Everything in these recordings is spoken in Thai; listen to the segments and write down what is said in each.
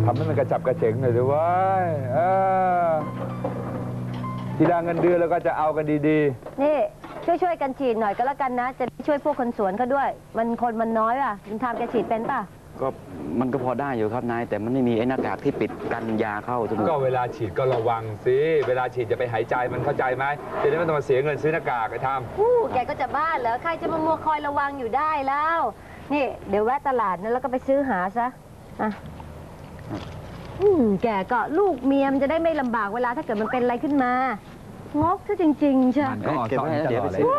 ำให้มันกระจับกระเฉงหน่อยสิวะทีละเงินเดือนแล้วก็จะเอากันดีๆนี่ช่วยกันฉีดหน่อยก็แล้วกันนะจะช่วยพวกคนสวนเขาด้วยมันน้อยอ่ะคุณทำแกฉีดเป็นป่ะก็มันก็พอได้อยู่ครับนายแต่มันไม่มีไอ้หน้ากากที่ปิดกันยาเข้าจมูกก็เวลาฉีดก็ระวังสิเวลาฉีดจะไปหายใจมันเข้าใจไหมจะได้ไม่ต้องมาเสียเงินซื้อหน้ากากไอ้ทำแกก็จะบ้าเหรอใครจะมามัวคอยระวังอยู่ได้แล้วนี่เดี๋ยวแวะตลาดนะแล้วก็ไปซื้อหาซะอ่ะแกก็ลูกเมียมจะได้ไม่ลำบากเวลาถ้าเกิดมันเป็นอะไรขึ้นมางกซะจริงๆใช่ก็ออกสอนตลอดเลย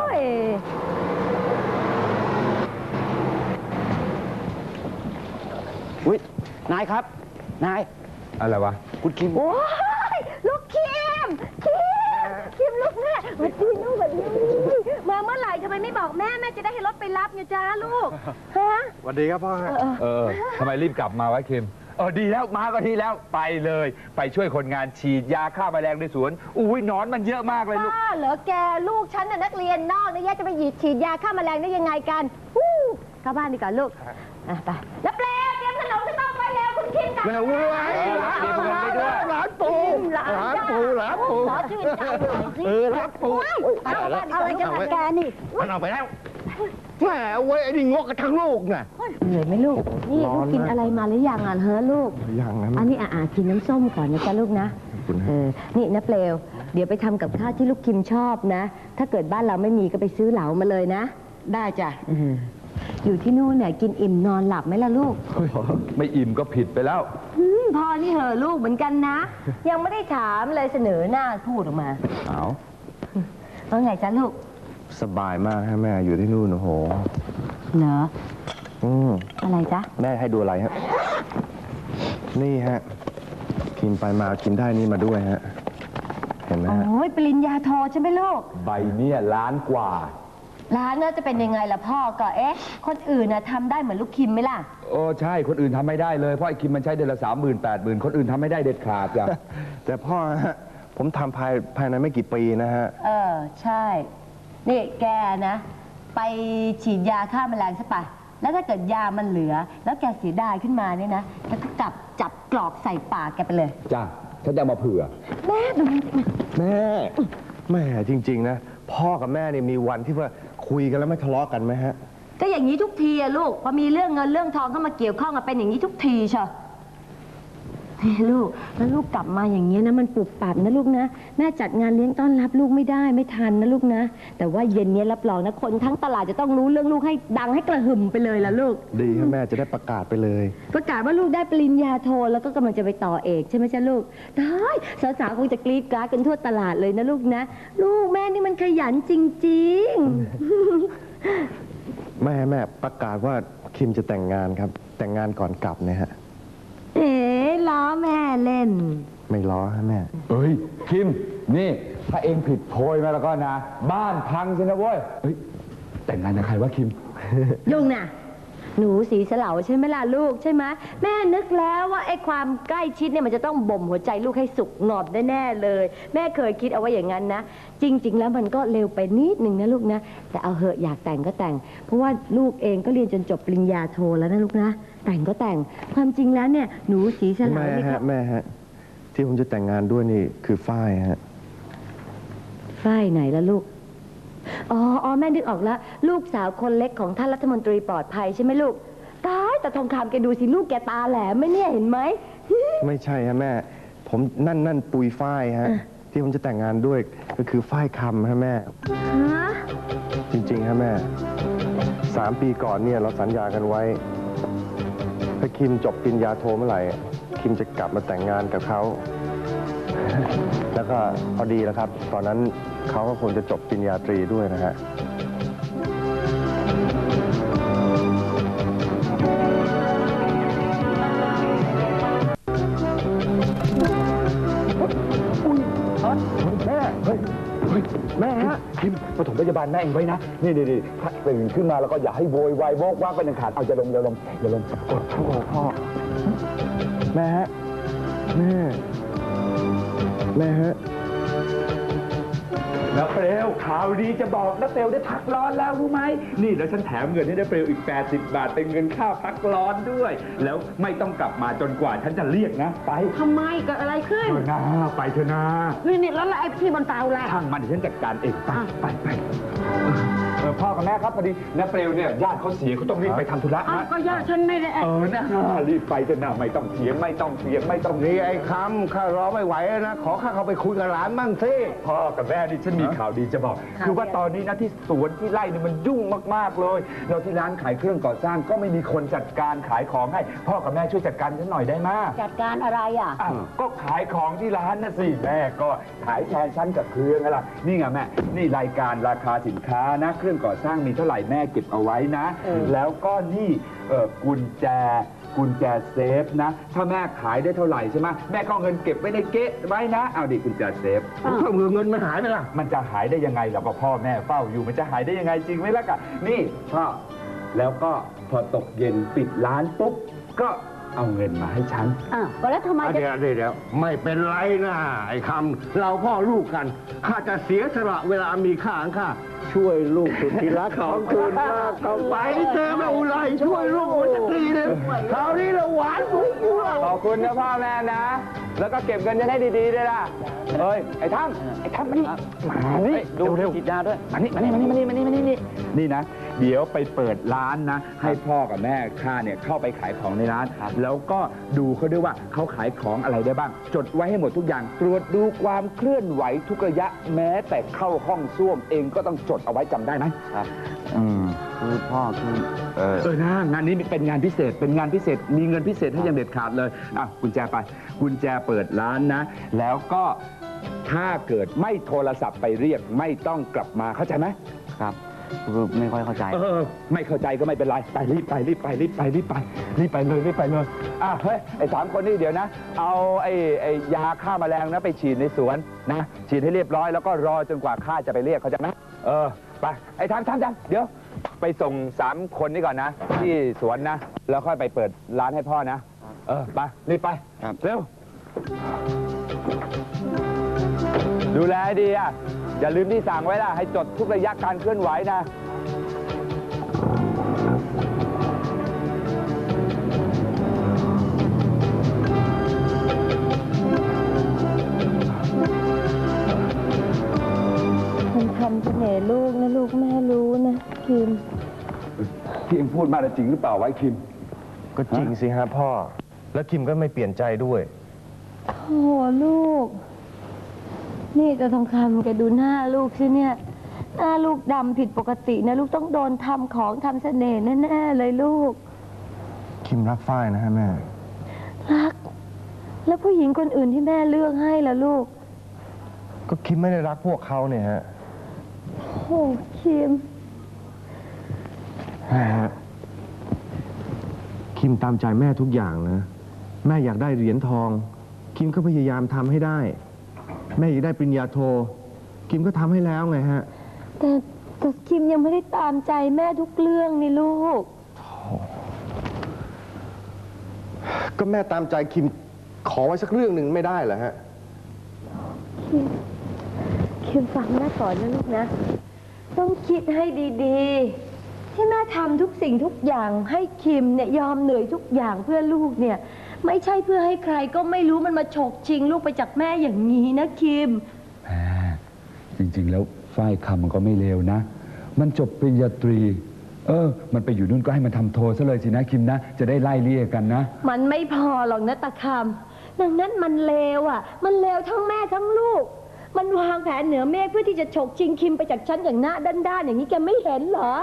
อุ้ยนายครับนายอะไรวะคุณคิมโอ้ยลูกคิมลูกแม่มาดูลูกแบบนี้มาเมื่อไหร่ทำไมไม่บอกแม่จะได้ให้รถไปรับไงจ้าลูกฮะสวัสดีครับพ่อทำไมรีบกลับมาวะคิมดีแล้วมาก็ดีแล้วไปเลยไปช่วยคนงานฉีดยาฆ่าแมลงในสวนอุ้ยหนอนมันเยอะมากเลยลูกเหรอแกลูกฉันน่ะนักเรียนนอกนะแย่จะไปฉีดยาฆ่าแมลงได้ยังไงกันเข้าบ้านดีกว่าลูกไปแล้วเปลวเตรียมขนมที่ต้องไปแล้วคุณคิมกันแล้วร้านปูขอชื่นใจหน่อยสิร้านปูอะไรกันล่ะแกนี่มันออกไปแล้วแหมเว้ยไอ้นี่งกกันทั้งลูกน่ะเหนื่อยไหมลูกนี่ลูกกินอะไรมาหรือยังเฮ้อลูกยังนะอันนี้กินน้ำส้มก่อนนะจ๊ะลูกนะนี่นะเปลวเดี๋ยวไปทำกับข้าวที่ลูกคิมชอบนะถ้าเกิดบ้านเราไม่มีก็ไปซื้อเหลามาเลยนะได้จ้ะอยู่ที่นู่นเนี่ยกินอิ่มนอนหลับไหมล่ะลูกไม่อิ่มก็ผิดไปแล้วพ่อนี่เหอะลูกเหมือนกันนะยังไม่ได้ถามเลยเสนอหน้าพูดออกมาว่าไงจ๊ะลูกสบายมากฮะแม่อยู่ที่นู่นโอ้โหเหรออะไรจ๊ะแม่ให้ดูอะไรฮะนี่ฮะกินไปมากินได้นี่มาด้วยฮะเห็นไหมฮะโอ้ยปริญญาโทใช่ไหมลูกใบเนี่ยล้านกว่าร้านน่าจะเป็นยังไงล่ะพ่อก็คนอื่นน่ะทำได้เหมือนลูกคิมไหมล่ะใช่คนอื่นทำไม่ได้เลยเพราะไอ้คิมมันใช้เดือนละ30,000-80,000คนอื่นทำไม่ได้เด็ดขาดจ้ะแต่พ่อฮะผมทำภายในไม่กี่ปีนะฮะใช่นี่แกนะไปฉีดยาฆ่าแมลงใช่ปะแล้วถ้าเกิดยามันเหลือแล้วแกเสียดายขึ้นมาเนี่ยนะแกก็กลับจับกรอกใส่ปากแกไปเลยจ้ะฉันจะมาเผื่อแม่ดูแม่จริงๆนะพ่อกับแม่เนี่ยมีวันที่ว่าคุยกันแล้วไม่ทะเลาะกันไหมฮะก็อย่างนี้ทุกทีอะลูกพอมีเรื่องเงินเรื่องทองเข้ามาเกี่ยวข้องกันเป็นอย่างนี้ทุกทีเชียวลูกแล้วลูกกลับมาอย่างเงี้ยนะมันปุบปับนะลูกนะแม่จัดงานเลี้ยงต้อนรับลูกไม่ได้ไม่ทันนะลูกนะแต่ว่าเย็นนี้รับรองนะคนทั้งตลาดจะต้องรู้เรื่องลูกให้ดังให้กระหึ่มไปเลยล่ะลูกดีครับแม่จะได้ประกาศไปเลยประกาศว่าลูกได้ปริญญาโทแล้วก็กำลังจะไปต่อเอกใช่ไหมจ๊ะลูกได้สาวๆคงจะกรี๊ดกราดกันทั่วตลาดเลยนะลูกนะลูกแม่นี่มันขยันจริงๆแม่ประกาศว่าคิมจะแต่งงานครับแต่งงานก่อนกลับเนี่ยฮะล้อแม่เล่นไม่ล้อฮะแม่คิมนี่ถ้าเองผิดโพยมาแล้วก็นะบ้านพังสินะเว้ยแต่งงานกับใครวะคิมลุงน่ะหนูสีเสลาใช่ไหมล่ะลูกใช่ไหมแม่นึกแล้วว่าไอ้ความใกล้ชิดเนี่ยมันจะต้องบ่มหัวใจลูกให้สุกงอบแน่ๆเลยแม่เคยคิดเอาไว้อย่างนั้นนะจริงๆแล้วมันก็เร็วไปนิดนึงนะลูกนะแต่เอาเหอะอยากแต่งก็แต่งเพราะว่าลูกเองก็เรียนจนจบปริญญาโทแล้วนะลูกนะแต่งก็แต่งความจริงแล้วเนี่ยหนูสีเสลานี่ครับแม่ฮะที่ผมจะแต่งงานด้วยนี่คือฝ้ายฮะฝ้ายไหนล่ะลูกแม่นึกออกแล้วลูกสาวคนเล็กของท่านรัฐมนตรีปลอดภัยใช่ไหมลูกตายแต่ทองคำแกดูสิลูกแกตาแหลมไหมเนี่ยเห็นไหมไม่ใช่ฮะแม่ผมนั่นปุยฝ้ายฮะที่ผมจะแต่งงานด้วยก็คือฝ้ายคำฮะแม่จริงๆฮะแม่3 ปีก่อนเนี่ยเราสัญญากันไว้ถ้าคิมจบปริญญาโทเมื่อไหร่คิมจะกลับมาแต่งงานกับเขาแล้วก็พอดีแล้วครับตอนนั้นเขาก็คงจะจบปริญญาตรีด้วยนะฮะแม่ฮะคิมปฐมพยาบาลแม่เองไว้นะนี่ถ้าตื่นขึ้นมาแล้วก็อย่าให้โวยวายโวกว่างเป็นอันขาดเอาอย่าลงพ่อแม่ฮะแม่ฮะนะเปลวข่าวดีจะบอกนะเปลวได้พักร้อนแล้วรู้ไหมนี่แล้วฉันแถมเงินให้นะเปลวอีก80 บาทเป็นเงินค่าพักร้อนด้วย แล้วไม่ต้องกลับมาจนกว่าฉันจะเรียกนะไปทำไมเกิดอะไรขึ้นเถอะนะไปเถอะนะนี่แล้วไอ้ที่บนเตาล่ะช่างมันเดี๋ยวฉันจัดการเองไปพ่อกับแม่ครับพอดีนะเปลวเนี่ยญาติเขาเสียเขาต้องรีบไปทำธุระนะก็ญาติฉันไม่ได้นะรีบไปเถอะนะไม่ต้องเสียงไม่ต้องนี่เรียกไอ้คำข้ารอไม่ไหวแล้วนะ ขอข้าเข้าไปคุยกับหลานบ้างสิพ่อกับแม่นี่ฉันมีข่าวดีจะบอก คือว่าตอนนี้นะที่สวนที่ไร่เนี่ยมันยุ่งมากๆเลยเราที่ร้านขายเครื่องก่อสร้างก็ไม่มีคนจัดการขายของให้พ่อกับแม่ช่วยจัดการฉันหน่อยได้ไหมจัดการอะไรอ่ะอ้าวก็ขายของที่ร้านนะสิแม่ก็ขายแทนฉันกับเครื่องอะไรนี่ไงแม่นี่รายการราคาสินค้านะเครื่องก่อสร้างมีเท่าไหร่แม่เก็บเอาไว้นะ แล้วก็นี่กุญแจเซฟนะถ้าแม่ขายได้เท่าไหร่ใช่ไหมแม่ก็เอาเงินเก็บไว้ในเก๊ะไว้นะเอาดิกุญแจเซฟเงินมันหายไปล่ะมันจะหายได้ยังไงเราก็พ่อแม่เฝ้าอยู่มันจะหายได้ยังไงจริงไหมล่ะกะนี่พ่อแล้วก็พอตกเย็นปิดร้านปุ๊บก็เอาเงินมาให้ฉันก็แล้วทำไมจะเดี๋ยวไม่เป็นไรนะไอ้คำเราพ่อลูกกันข้าจะเสียสละเวลามีค่าของข้าช่วยลูกสุดที่รักของคุณมากเข้าไปเจอแม่อุไรช่วยลูกมันจะดีเลยคราวนี้เราหวานฟุ้งฟูเราขอบคุณนะพ่อแม่นะ แล้วก็เก็บเงินจะได้ดีๆด้วยล่ะเฮ้ยไอ้ท่านมานี่มานี่ดูเร็วฉีดยาด้วยมานี่นี่นะ เดี๋ยวไปเปิดร้านนะ ให้พ่อกับแม่ข้าเนี่ยเข้าไปขายของในร้าน แล้วก็ดูเขาด้วยว่าเขาขายของอะไรได้บ้าง จดไว้ให้หมดทุกอย่าง ตรวจดูความเคลื่อนไหวทุกระยะแม้แต่เข้าห้องส้วมเองก็ต้องจดเอาไว้จำได้ไหมครับอืมคือพ่อคือนะงานนี้เป็นงานพิเศษ เป็นงานพิเศษ มีเงินพิเศษให้อยังเด็ดขาดเลยอ่ะกุญแจไป กุญแจเปิดร้านนะ แล้วก็ถ้าเกิดไม่โทรศัพท์ไปเรียกไม่ต้องกลับมาเข้าใจไหมครับคือไม่ค่อยเข้าใจไม่เข้าใจก็ไม่เป็นไร ไปรีบไปเลยอ่ะเฮ้ยไอ้3 คนนี่เดี๋ยวนะ เอาไอ้ยาฆ่าแมลงนะไปฉีดในสวนนะ ฉีดให้เรียบร้อยแล้วก็รอจนกว่าข้าจะไปเรียกเขาใจไหมไปไอ้ทำเดี๋ยวไปส่ง3 คนนี้ก่อนนะ ที่สวนนะ แล้วค่อยไปเปิดร้านให้พ่อนะไปรีบไปครับเร็วดูแลให้ดีอ่ะอย่าลืมที่สั่งไว้ล่ะให้จดทุกระยะการเคลื่อนไหวนะมันทำเสน่ห์ลูกนะลูกแม่รู้นะคิมที่เอ็งพูดมาจริงหรือเปล่าไว้คิมก็จริงสิฮะพ่อ แล้วคิมก็ไม่เปลี่ยนใจด้วยโอ้ลูก นี่จะทองคำแกดูหน้าลูกสิเนี่ยหน้าลูกดำผิดปกตินะลูกต้องโดนทำของทำเสน่ห์แน่ๆเลยลูกคิมรักฝ้ายนะฮะแม่รัก แล้วผู้หญิงคนอื่นที่แม่เลือกให้ล่ะลูกก็คิมไม่ได้รักพวกเขาเนี่ยฮะโอ้คิมแม่ฮะคิมตามใจแม่ทุกอย่างนะ แม่อยากได้เหรียญทอง คิมก็พยายามทำให้ได้ แม่อยากได้ปริญญาโท คิมก็ทำให้แล้วไงฮะแต่คิมยังไม่ได้ตามใจแม่ทุกเรื่องนี่ลูกก็แม่ตามใจคิมขอไว้สักเรื่องหนึ่งไม่ได้เหรอฮะคิมฟังแม่ก่อนนะลูกนะ ต้องคิดให้ดีๆ ที่แม่ทำทุกสิ่งทุกอย่างให้คิมเนี่ยยอมเหนื่อยทุกอย่างเพื่อลูกเนี่ย ไม่ใช่เพื่อให้ใครก็ไม่รู้มันมาฉกชิงลูกไปจากแม่อย่างนี้นะคิมแม่จริงๆแล้วฝ้ายคำมันก็ไม่เลวนะ มันจบปริญญาตรี มันไปอยู่นู่นก็ให้มันทำโทซะเลยสินะคิมนะ จะได้ไล่เลี่ยกันนะมันไม่พอหรอกนะตาคำดังนั้นมันเลวอ่ะ มันเลวทั้งแม่ทั้งลูก มันวางแผนเหนือเมฆเพื่อที่จะฉกชิงคิมไปจากฉันอย่างหน้าด้านๆอย่างนี้แกไม่เห็นเหรอ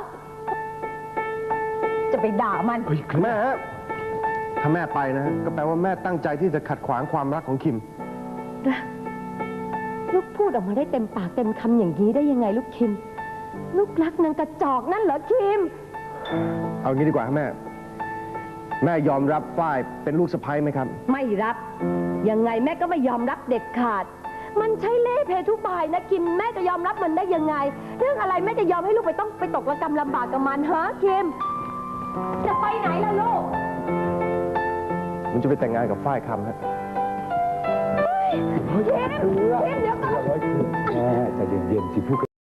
จะไปด่ามันแม่ฮะถ้าแม่ไปนะฮะก็แปลว่าแม่ตั้งใจที่จะขัดขวางความรักของคิมลูกพูดออกมาได้เต็มปากเต็มคำอย่างนี้ได้ยังไงลูกคิม ลูกรักนางกระจอกนั่นเหรอคิมเอางี้ดีกว่าแม่ แม่ยอมรับฝ้ายเป็นลูกสะใภ้ไหมครับไม่รับ ยังไงแม่ก็ไม่ยอมรับเด็ดขาด มันใช่เล่ห์เพทุบายนะคิม แม่จะยอมรับมันได้ยังไง เรื่องอะไรแม่จะยอมให้ลูกไปต้องไปตกระกำลำบากกับมันฮะคิม จะไปไหนล่ะลูกผมจะไปแต่งงานกับฝ้ายคำฮะเฮ้ยเดี๋ยวก่อนแม่ใจเย็นๆสิพูด